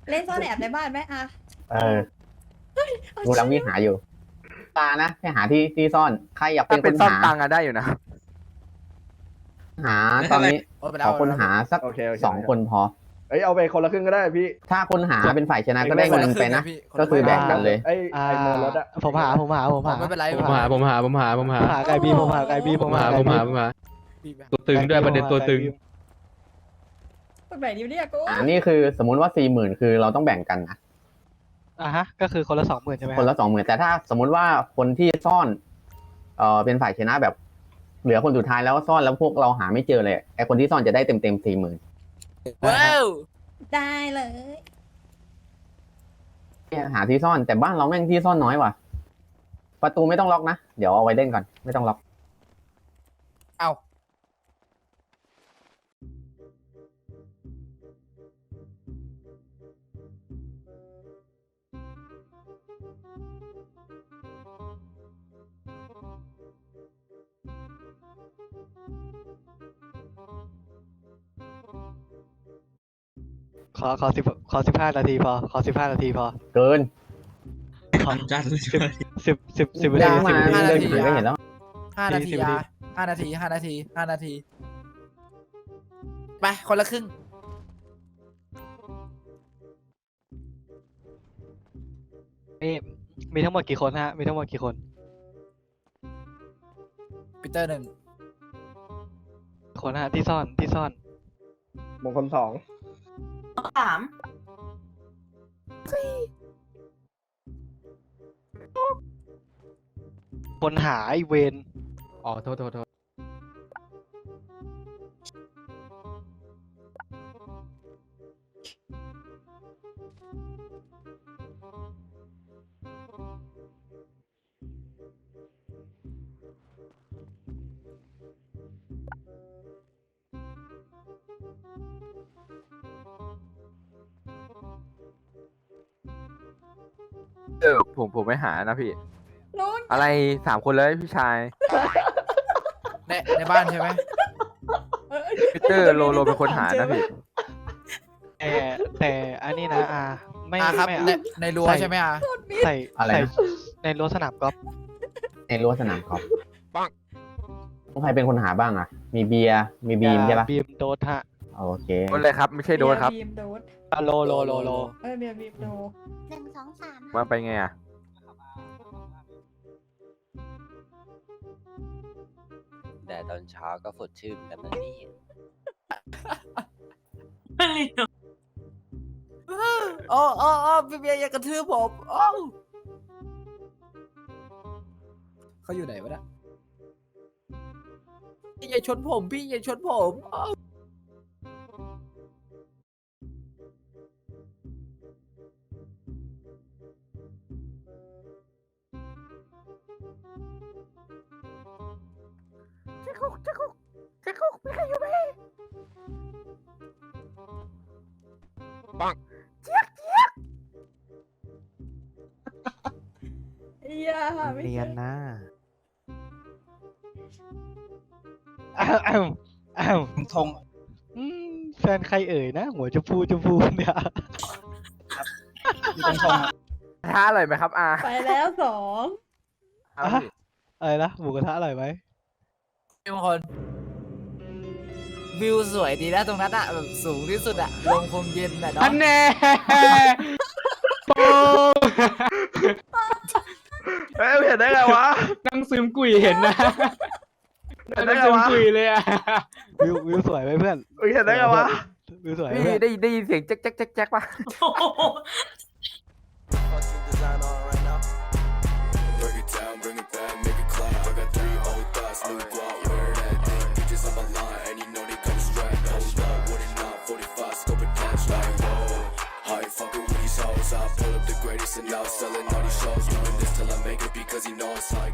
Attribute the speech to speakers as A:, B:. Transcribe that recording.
A: เล่นซ่อนแอบในบ้านไหมอะ
B: เออกูกำลังวิ่งหาอยู่ตานะไปหาที่ซ่อนใครอยากเป็
C: ถ้าน
B: ค
C: เป็น
B: น
C: ซ่อน
B: หา
C: ตังอะได้อยู่นะ
B: หาตอนนี้
D: โอ้ไป
B: ข
D: แล้
B: อ
D: ว
B: คนหาสัก
E: โอเคโอเค
B: 2 คนพอ
E: เอ้ยเอาไปคนละครึ่งก็ได้พี่
B: ถ้าคนหาเป็นฝ่ายชนะก็ได้เงินไปนะก็คือแบ่งกันเลย
E: ไอ้ไอ้โมรถอะ
F: ผมหา
D: ไม่เป็นไร
G: ผมหา
F: หาไก่บีผมหาไก่บีผมหาไก่บี
G: ตัวตึงด้วยประเด็นตัวตึง
A: คนไหนดีเนี่ยกู
B: นี่คือสมมุติว่า40,000คือเราต้องแบ่งกันนะ
F: ฮะก็คือคนละ20,000ใช่ไหม
B: คนละ20,000แต่ถ้าสมมุติว่าคนที่ซ่อนเป็นฝ่ายชนะแบบ เหลือคนสุดท้ายแล้วซ่อนแล้วพวกเราหาไม่เจอเลยไอคนที่ซ่อนจะได้เต็ม40,000
D: ว้าว
A: ได้เลย
B: หาที่ซ่อนแต่บ้านเราแม่งที่ซ่อนน้อยว่ะประตูไม่ต้องล็อกนะเดี๋ยวเอาไว้เล่นก่อนไม่ต้องล็อก
D: เอา
F: ขอ15 นาทีพอขอ15 นาทีพอ
B: เกิน
H: จัดเลย
F: 10
B: เดิ
F: นาที
B: นมา
F: 10
B: เดินผ่านก็เห็นแล้ว
D: 5 นาทีอะ5 นาที5 นาที5 นาทีไปคนละครึ่ง
F: มีทั้งหมดกี่คนฮะมีทั้งหมดกี่คน
D: ปีเตอร์1
F: คนฮะที่ซ่อน
E: มงคล2
A: 3
F: คนหาไอเวน
G: อ๋อโทษ
C: ผมไม่หานะพี่
A: นู้น
C: อะไร3 คนเลยพี่ชาย
D: ในบ้านใช่ไหม
C: พีเตอร์โลเป็นคนหานะพี่
F: แต่อันนี้นะไม่
D: ครับ
F: ไม่
D: ในรั้วใช่ไหมอะ
F: ใส่
B: อะไร
F: ใส่
B: นะ
F: ในรั้วสนามกอล์ฟ
B: ในรั้วสนามกอล์ฟใครเป็นคนหาบ้างอ่ะ มีเบียร์มีบีมใช่ปะ
F: บีมโดดฮะ
B: โอเค
C: โดนเลยครับไม่ใช่โดนครับ
A: บีมโดน
F: โล
A: เบียร์บีมโดน
I: 1 2 3
C: มาไปไงอะ
H: แต่ตอนเช้าก็สดชื่นกันนะนี่
D: โอ้พี่เบียร์อย่ากระทืบผมโอ้เขาอยู่ไหนวะเนี่ยอย่าชนผมพี่อย่าชนผมอ้าว
A: อย่าไม่
F: เนีย
A: ใช่
F: นนะอ้าว
H: ทง
F: แฟนใครเอ่ยนะ หัวชมพูเนี่ย
H: อยู่ตรงทงอะ
C: ท้าอร่อยไหมครับอา
A: ไปแล้ว2
C: ครับพี่
F: อะไรนะหมูกระทะอร่อยไหม
D: พี่มงคลวิวสวยดีนะตรงนั้นอะแบบสูงที่สุดอะลมคงเย็นอะเนาะ
G: อันแน่โป้
E: เอ้ยเห็นได้ไงวะ
G: นั่งซึมกุยเห็นนะ
E: เห็นได้
G: นั่ง
E: ไง
G: ซึม
E: วะ
G: กุยเลยอ่ะ
F: วิวสวยไหมเพื่อน
E: เห็นได้ไงวะ
F: วิวสวยไหม
C: พี่
F: เพื่อน
C: ได้ยินเสียงแจ๊กป่ะ
J: Break it down, bring it back, make it clap. I got 3 old thoughts, new guap, wear that thing. Bitches on my line, and you know they come strapped. Hold up, what it not, 45, scope it dash like whoa. I ain't fucking with these hoes. I pull up the greatest and now selling all these shows. Doing this till I make it because you know it's high.